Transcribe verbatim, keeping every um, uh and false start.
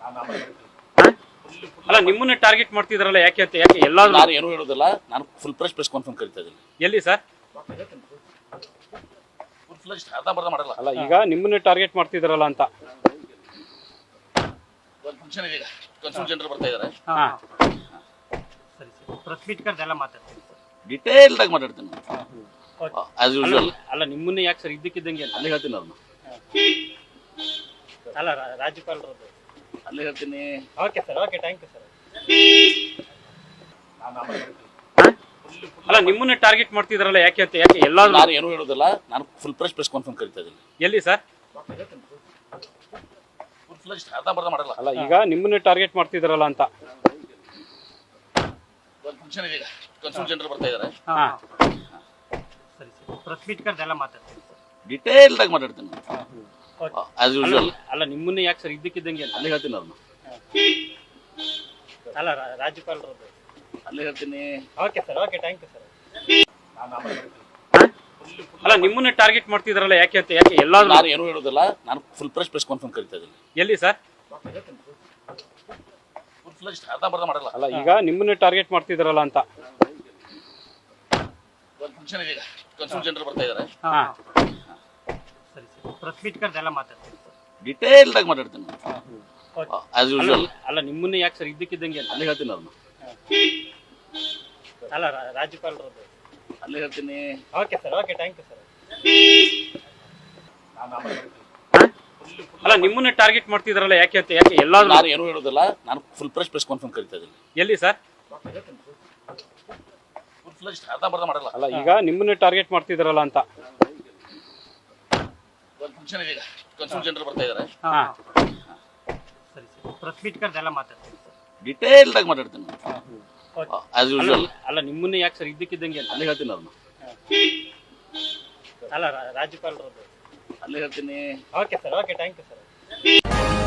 ಅಲ್ಲ ನಿಮ್ಮನ್ನ ಟಾರ್ಗೆಟ್ ಮಾಡ್ತಿದ್ರಲ್ಲ ಯಾಕೆ ಅಂತ ಯಾಕೆ ಎಲ್ಲಾದ್ರೂ ನಾನು ಏನು ಹೇಳೋದಿಲ್ಲ. ನಾನು ಫುಲ್ ಪ್ರೆಸ್ ಪ್ರೆಸ್ ಕಾನ್ಫರೆನ್ಸ್ ಕರಿತಾ ಇದ್ದೀನಿ. ಎಲ್ಲಿ ಸರ್? ಫುಲ್ ಫ್ಲೆಜ್ ಅರ್ಧ ಬರ್ಧ ಮಾಡಲ್ಲ. ಅಲ್ಲ ಈಗ ನಿಮ್ಮನ್ನ ಟಾರ್ಗೆಟ್ ಮಾಡ್ತಿದ್ರಲ್ಲ ಅಂತ. ಒಂದು ಫಂಕ್ಷನ್ ಇದೆ, ಕನ್ಸೂಲ್ ಜನರು ಬರ್ತಾ ಇದ್ದಾರೆ. ಹಾ ಸರಿ ಸರಿ ಪ್ರೆಸ್ ಮೀಟ್ ಕರೆದೆಲ್ಲ ಮಾತಾಡ್ತೀನಿ ಸರ್. ಡಿಟೇಲ್ಡ್ ಆಗಿ ಮಾತಾಡ್ತೀನಿ ಆಸ್ ಯೂಶುವಲ್. ಅಲ್ಲ ನಿಮ್ಮನ್ನ ಯಾಕೆ ಸರ್ ಇದ್ದಕ್ಕಿದ್ದಂಗೆ ಅಲ್ಲಿ ಹೇಳ್ತೀನಿ ಅವ್ರನ್ನ, ಅಲ್ಲ ರಾಜ್ಯಪಾಲರದ್ದು. ಅಲ್ಲಿ ಹೇಳ್ತೀನಿ. Okay sir, okay, thank you sir. ಅಲ್ಲ ನಿಮ್ಮನ್ನ ಟಾರ್ಗೆಟ್ ಮಾಡ್ತಿದ್ರಲ್ಲ ಯಾಕೆ ಅಂತ ಯಾಕೆ ಎಲ್ಲಾದ್ರೂ ನಾನು ಏನು ಹೇಳೋದಿಲ್ಲ. ನಾನು ಫುಲ್ ಪ್ರೆಸ್ ಪ್ರೆಸ್ ಕಾನ್ಫರೆನ್ಸ್ ಕರಿತಾ ಇದ್ದೀನಿ. ಎಲ್ಲಿ ಸರ್? ಫುಲ್ ಫ್ಲೆಜ್ ಅರ್ಧ ಬರ್ಧ ಮಾಡಲ್ಲ. ಅಲ್ಲ ಈಗ ನಿಮ್ಮನ್ನ ಟಾರ್ಗೆಟ್ ಮಾಡ್ತಿದ್ರಲ್ಲ ಅಂತ. ಒಂದು ಫಂಕ್ಷನ್ ಇದೆ, ಕನ್ಸೂಲ್ ಜನರು ಬರ್ತಾ ಇದ್ದಾರೆ. ಹಾ ಸರಿ ಸರಿ ಪ್ರೆಸ್ ಮೀಟ್ ಕರೆದೆಲ್ಲ ಮಾತಾಡ್ತೀನಿ ಸರ್. ಡಿಟೇಲ್ಡ್ ಆಗಿ ಮಾತಾಡ್ತೀನಿ ಆಸ್ ಯೂಶುವಲ್. ಅಲ್ಲ ನಿಮ್ಮನ್ನ ಯಾಕೆ ಸರ್ ಇದ್ದಕ್ಕಿದ್ದಂಗೆ ಅಲ್ಲಿ ಹೇಳ್ತೀನಿ ಅವ್ರನ್ನ, ಅಲ್ಲ ರಾಜ್ಯಪಾಲರದ್ದು. ಅಲ್ಲಿ ಹೇಳ್ತೀನಿ. Okay sir, okay, thank you sir. ಅಲ್ಲ ನಿಮ್ಮನ್ನ ಟಾರ್ಗೆಟ್ ಮಾಡ್ತಿದ್ರಲ್ಲ ಯಾಕೆ ಅಂತ ಯಾಕೆ ಎಲ್ಲಾದ್ರೂ ನಾನು ಏನು ಹೇಳೋದಿಲ್ಲ. ನಾನು ಫುಲ್ ಪ್ರೆಸ್ ಪ್ರೆಸ್ ಕಾನ್ಫರೆನ್ಸ್ ಕರಿತಾ ಇದ್ದೀನಿ. ಎಲ್ಲಿ ಸರ್? ಫುಲ್ ಫ್ಲೆಜ್ ಅರ್ಧ ಬರ್ಧ ಮಾಡಲ್ಲ. ಅಲ್ಲ ಈಗ ನಿಮ್ಮನ್ನ ಟಾರ್ಗೆಟ್ ಮಾಡ್ತಿದ್ರಲ್ಲ ಅಂತ. ಒಂದು ಫಂಕ್ಷನ್ ಇದೆ, ಕನ್ಸೂಲ್ ಜನರು ಬರ್ತಾ ಇದ್ದಾರೆ. ಹಾ ಸರಿ ಸರಿ ಪ್ರೆಸ್ ಮೀಟ್ ಕರೆದೆಲ್ಲ ಮಾತಾಡ್ತೀನಿ ಸರ್. ಡಿಟೇಲ್ಡ್ ಆಗಿ ಮಾತಾಡ್ತೀನಿ ಆಸ್ ಯೂಶುವಲ್. ಅಲ್ಲ ನಿಮ್ಮನ್ನ ಯಾಕೆ ಸರ್ ಇದ್ದಕ್ಕಿದ್ದಂಗೆ ಅಲ್ಲಿ ಹೇಳ್ತೀನಿ ಅವ್ರನ್ನ, ಅಲ್ಲ ರಾಜ್ಯಪಾಲರದ್ದು. ಅಲ್ಲಿ ಹೇಳ್ತೀನಿ. Okay sir, okay, thank you sir. ಅಲ್ಲ ನಿಮ್ಮನ್ನ ಟಾರ್ಗೆಟ್ ಮಾಡ್ತಿದ್ರಲ್ಲ ಯಾಕೆ ಅಂತ ಯಾಕೆ ಎಲ್ಲಾದ್ರೂ ನಾನು ಏನು ಹೇಳೋದಿಲ್ಲ. ನಾನು ಫುಲ್ ಪ್ರೆಸ್ ಪ್ರೆಸ್ ಕಾನ್ಫರೆನ್ಸ್ ಕರಿತಾ ಇದ್ದೀನಿ. ಎಲ್ಲಿ ಸರ್? ಫುಲ್ ಫ್ಲೆಜ್ ಅರ್ಧ ಬರ್ಧ ಮಾಡಲ್ಲ. ಅಲ್ಲ ಈಗ ನಿಮ್ಮನ್ನ ಟಾರ್ಗೆಟ್ ಮಾಡ್ತಿದ್ರಲ್ಲ ಅಂತ. ಒಂದು ಫಂಕ್ಷನ್ ಇದೆ, ಕನ್ಸೂಲ್ ಜನರು ಬರ್ತಾ ಇದ್ದಾರೆ. ಹಾ ಸರಿ ಸರಿ ಪ್ರೆಸ್ ಮೀಟ್ ಕರೆದೆಲ್ಲ ಮಾತಾಡ್ತೀನಿ ಸರ್. ಡಿಟೇಲ್ಡ್ ಆಗಿ ಮಾತಾಡ್ತೀನಿ ಆಸ್ ಯೂಶುವಲ್. ಅಲ್ಲ ನಿಮ್ಮನ್ನ ಯಾಕೆ ಸರ್ ಇದ್ದಕ್ಕಿದ್ದಂಗೆ ಅಲ್ಲಿ ಹೇಳ್ತೀನಿ ಅವ್ರನ್ನ, ಅಲ್ಲ ರಾಜ್ಯಪಾಲರದ್ದು. ಅಲ್ಲಿ ಹೇಳ್ತೀನಿ. Okay sir, okay, thank you sir.